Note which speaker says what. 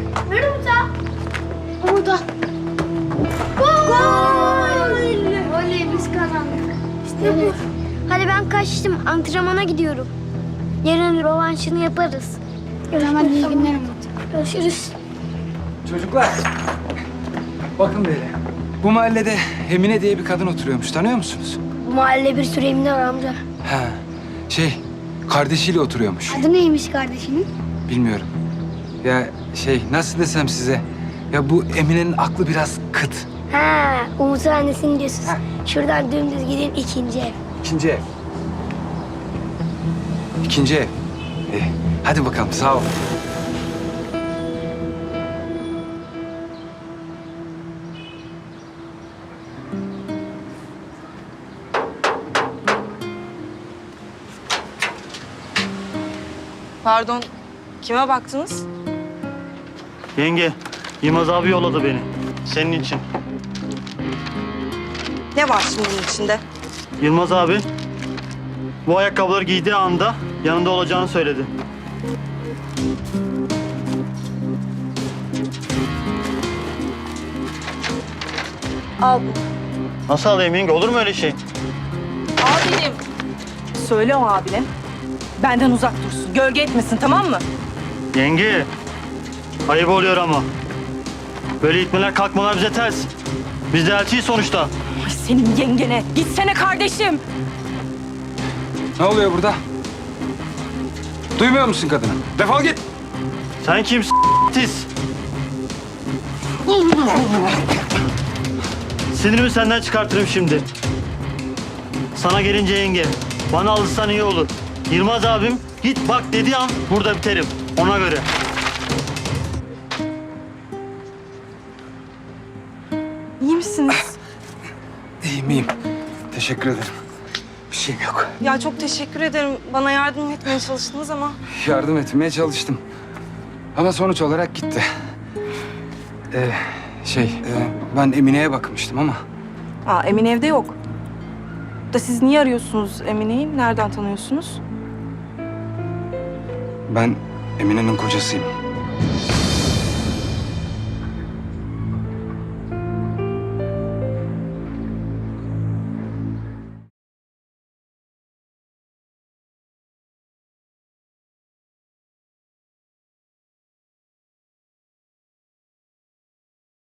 Speaker 1: Ver Umut'a. Umut'a. Gol! Oley biz kazandık. İşte bu. Hadi ben kaçtım. Antrenmana gidiyorum. Yarın rövanşını yaparız. Hemen iyi günler Umut. Görüşürüz.
Speaker 2: Çocuklar. Bakın böyle. Bu mahallede Emine diye bir kadın oturuyormuş. Tanıyor musunuz?
Speaker 1: Bu mahallede bir sürü emine var amca.
Speaker 2: Ha. Kardeşiyle oturuyormuş.
Speaker 1: Adı neymiş kardeşinin?
Speaker 2: Bilmiyorum. Ya nasıl desem size. Ya bu Emine'nin aklı biraz kıt.
Speaker 1: Ha, Umut'un annesini diyorsunuz.
Speaker 2: Ha.
Speaker 1: Şuradan dümdüz gidin ikinci ev.
Speaker 2: İkinci ev. İkinci ev. Hadi bakalım sağ ol.
Speaker 3: Pardon, kime baktınız?
Speaker 4: Yenge, Yılmaz abi yolladı beni. Senin için.
Speaker 3: Ne var şimdi bunun içinde?
Speaker 4: Yılmaz abi bu ayakkabıları giydiği anda yanında olacağını söyledi.
Speaker 3: Al bu.
Speaker 4: Nasıl alayım yenge? Olur mu öyle şey?
Speaker 3: Abinim. Söyle o abine. Benden uzak dursun. Gölge etmesin, tamam mı?
Speaker 4: Yenge, ayıp oluyor ama. Böyle itmeler kalkmalar bize ters. Biz de elçiyiz sonuçta.
Speaker 3: Ay senin yengene. Gitsene kardeşim.
Speaker 2: Ne oluyor burada? Duymuyor musun kadını? Defol git.
Speaker 4: Sen kimsin tiz? Sinirimi senden çıkartırım şimdi. Sana gelince yenge, bana alışsan iyi olur. Yılmaz abim git bak dediği an burada biterim. Ona göre.
Speaker 3: İyi misiniz?
Speaker 2: İyiyim. Teşekkür ederim. Bir şeyim yok.
Speaker 3: Ya çok teşekkür ederim. Bana yardım etmeye çalıştınız ama.
Speaker 2: Yardım etmeye çalıştım. Ama sonuç olarak gitti. Ben Emine'ye bakmıştım ama.
Speaker 3: Emine evde yok. Da siz niye arıyorsunuz Emine'yi? Nereden tanıyorsunuz?
Speaker 2: Ben Emine'nin kocasıyım.